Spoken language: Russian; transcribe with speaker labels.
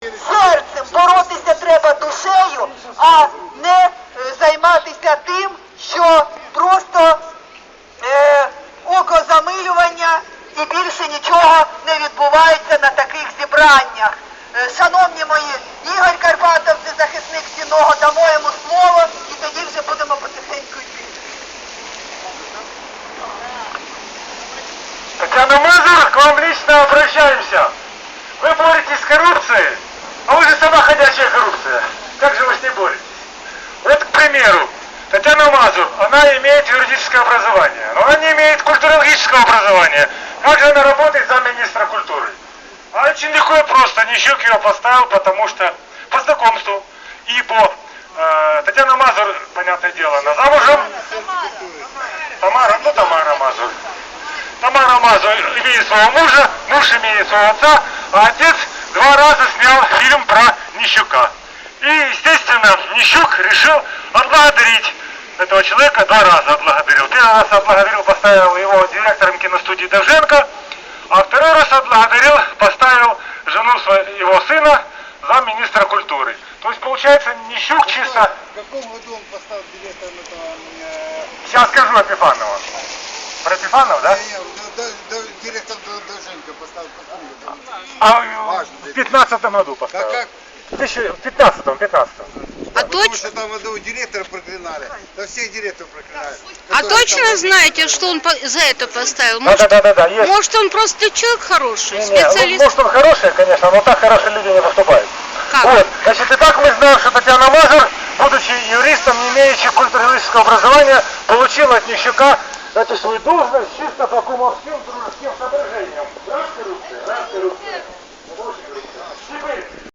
Speaker 1: серцем, боротися треба душею, а не займатися тим, що просто окозамилювання і більше нічого не відбувається на таких зібраннях. Шановні мої, Ігор Карпатов, це захисник Сінного, дамо йому слово і тоді вже будемо потихеньку йти.
Speaker 2: Татьяна Мазур, к вам лично обращаемся. Вы боретесь с коррупцией, а вы же сама ходячая коррупция. Как же вы с ней боретесь? Вот, к примеру, Татьяна Мазур, она имеет юридическое образование, но она не имеет культурологического образования. Как же она работает замминистра культуры? А очень легко и просто. Нищук ее поставил, потому что по знакомству. Ибо Татьяна Мазур, понятное дело, она замужем. Тамара Мазур. Тамара Мазур имеет своего мужа, муж имеет своего отца, а отец 2 раза снял фильм про Нищука. И, естественно, Нищук решил отблагодарить этого человека, 2 раза отблагодарил. 1 раз отблагодарил, поставил его директором киностудии Довженко, а 2 раз отблагодарил, поставил жену его сына замминистра культуры. То есть, получается, Нищук чисто...
Speaker 3: В каком году он поставил директором этого...
Speaker 2: Сейчас скажу Епифанова. Про Епифанова, да?
Speaker 3: Директор Довженко поставил в каком году?
Speaker 2: А в 15-м году поставил.
Speaker 3: Как?
Speaker 2: В 15-м.
Speaker 3: А потому что там одного директора проклинали, да всех директоров проклинали.
Speaker 4: А точно знаете, что он за это поставил?
Speaker 2: Да, есть.
Speaker 4: Может, он просто человек хороший,
Speaker 2: Не,
Speaker 4: специалист?
Speaker 2: может, он хороший, конечно, но так хорошие люди не поступают.
Speaker 4: Как?
Speaker 2: Вот, значит, и так мы знаем, что Татьяна Мазур, будучи юристом, не имеющий культурологического образования, получила от Нищука эту свою должность чисто по кумовским дружеским соображениям. Раз коррупция. Теперь,